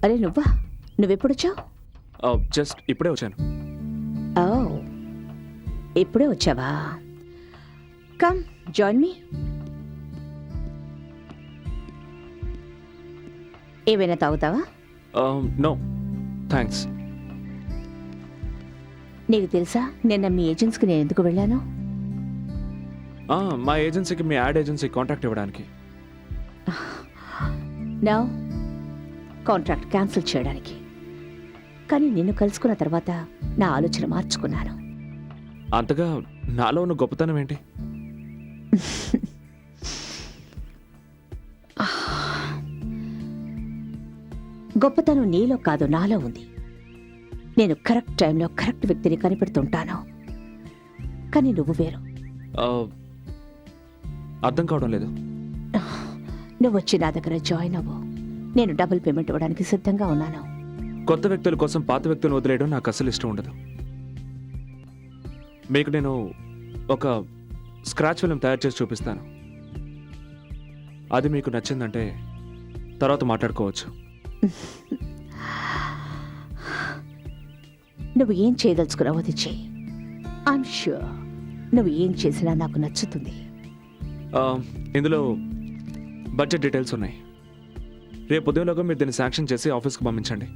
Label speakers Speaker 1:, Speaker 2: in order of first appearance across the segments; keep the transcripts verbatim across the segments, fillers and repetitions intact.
Speaker 1: అరే నువ్వా? నువ్వెప్పుడొచ్చావు?
Speaker 2: జస్ట్ ఇప్పుడే వచ్చాను.
Speaker 1: ఓ, ఇప్పుడే వచ్చావా? Come join me. ఏమైనా తాగుతావా?
Speaker 2: No thanks.
Speaker 1: నీకు తెలుసా నిన్న మీ ఏజెన్సీకి నేను ఎందుకు వెళ్ళాను?
Speaker 2: మా ఏజెన్సీకి మీ యాడ్ ఏజెన్సీ కాంట్రాక్ట్ ఇవ్వడానికి.
Speaker 1: నో, కాంట్రాక్ట్ క్యాన్సిల్ చేయడానికి. కానీ నిన్ను కలుసుకున్న తర్వాత నా ఆలోచన మార్చుకున్నాను.
Speaker 2: అంతగా నాలో ఉన్న గొప్పతనం ఏంటి?
Speaker 1: గొప్పతనం నీలో కాదు, నాలో ఉంది. నేను కరెక్ట్ టైంలో కరెక్ట్ వ్యక్తిని కనిపెడుతుంటాను. కానీ నువ్వు వేరు.
Speaker 2: అర్థం కావడం లేదు.
Speaker 1: నువ్వు వచ్చి నా దగ్గర జాయిన్ అవ్వు. నేను డబుల్ పేమెంట్ ఇవ్వడానికి సిద్ధంగా ఉన్నాను.
Speaker 2: కొత్త వ్యక్తుల కోసం పాత వ్యక్తులను వదిలేయడం నాకు అసలు ఇష్టం ఉండదు. మీకు నేను ఒక స్క్రాచ్ ఫిల్మ్ తయారు చేసి చూపిస్తాను. అది మీకు నచ్చిందంటే తర్వాత మాట్లాడుకోవచ్చు.
Speaker 1: నువ్వు ఏం చేయదలుచుకున్నావో అది చెయ్యి. ఐఎమ్ ష్యూర్ నువ్వు ఏం చేసినా నాకు నచ్చుతుంది.
Speaker 2: ఇందులో బడ్జెట్ డీటెయిల్స్ ఉన్నాయి. రేపు ఉదయంలోగా మీరు దీన్ని శాంక్షన్ చేసి ఆఫీస్కి పంపించండి.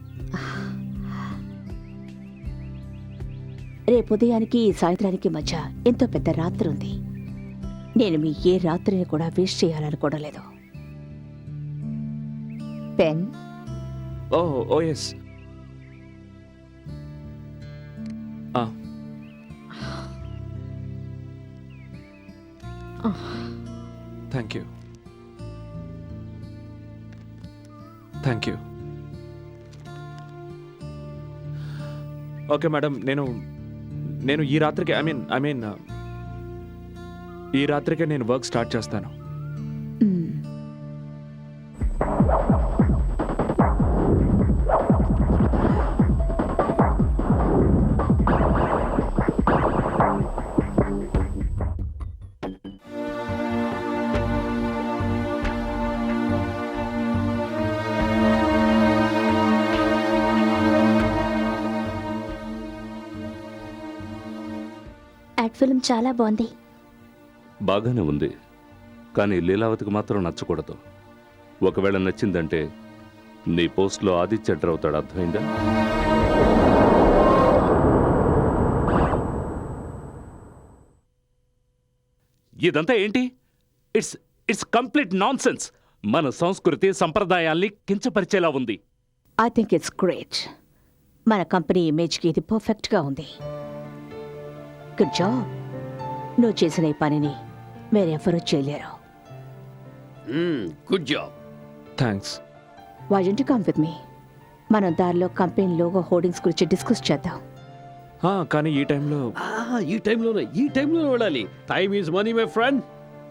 Speaker 1: రేపు ఉదయానికి సాయంత్రానికి మధ్య ఎంతో పెద్ద రాత్రి ఉంది. నేను మీ ఏ రాత్రిని కూడా వేస్ట్ చేయాలనుకోవడం లేదు. Pen?
Speaker 2: Oh oh yes. Thank you thank you. Okay madam, నేను నేను ఈ రాత్రికి ఐ మీన్ ఐ మీన్ ఈ రాత్రికే నేను వర్క్ స్టార్ట్ చేస్తాను.
Speaker 1: యాడ్ ఫిల్మ్ చాలా బాగుంది.
Speaker 3: బాగానే ఉంది, కానీ లీలావతికి మాత్రం నచ్చకూడదు. ఒకవేళ నచ్చిందంటే నీ పోస్ట్లో ఆదిత్య ఎంటర్ అవుతాడు. అర్థమైందా? ఇదంతా ఏంటి? It's it's complete nonsense. మన సంస్కృతి సంప్రదాయాల్ని కించపరిచేలా ఉంది.
Speaker 1: I think it's great. మన కంపెనీ ఇమేజ్కి ఇది పర్ఫెక్ట్గా ఉంది. Good job. నువ్వు చేసిన ఈ పనిని వేరెవరూ చేయలేరు.
Speaker 4: Good job.
Speaker 2: Thanks.
Speaker 1: Why don't you come with me? మనం దారిలో కంపెనీ లోగో హోర్డింగ్స్ గురించి డిస్కస్ చేద్దాం.
Speaker 2: కానీ ఈ టైంలో
Speaker 4: ఈ టైంలోనే ఈ టైంలోనే వెళ్ళాలి. Time is money my friend.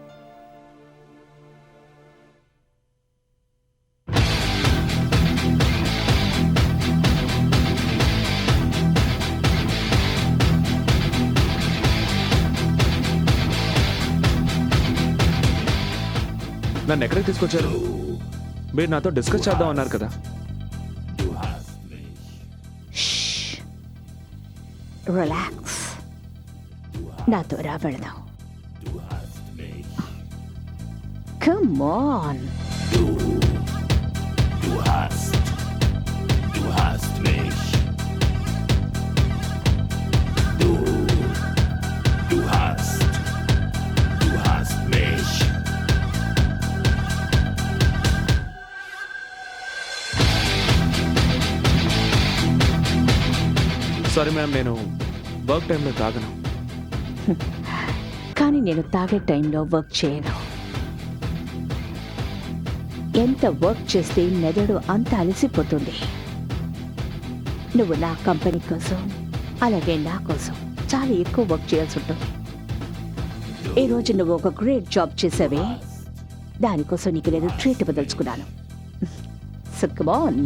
Speaker 2: నన్ను ఎక్కడికి తీసుకొచ్చారు? మీరు నాతో డిస్కస్ చేద్దాం అన్నారు కదా.
Speaker 1: రిలాక్స్. నాతో రా, వెళదాం. Come on.
Speaker 2: సారీ మ్యామ్, నేను వర్క్ టైంలో తాగను.
Speaker 1: కానీ నేను తాగే టైంలో వర్క్ చేయను. ఎంత వర్క్ చేస్తే మెదడు అంత అలసిపోతుంది. నువ్వు నా కంపెనీ కోసం అలాగే నా కోసం చాలా ఎక్కువ వర్క్ చేయాల్సి ఉంటుంది. ఈరోజు నువ్వు ఒక గ్రేట్ జాబ్ చేసావే, దానికోసం నీకు నేను ట్రీట్ ఇవ్వదలుచుకున్నాను. So come on,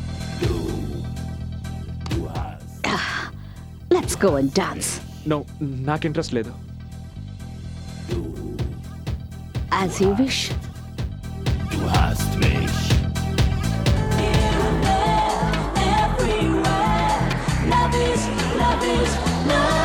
Speaker 1: let's go and dance.
Speaker 2: No, నాకు ఇంట్రెస్ట్ లేదు.
Speaker 1: As you wish.
Speaker 5: Du hast mich. love is love.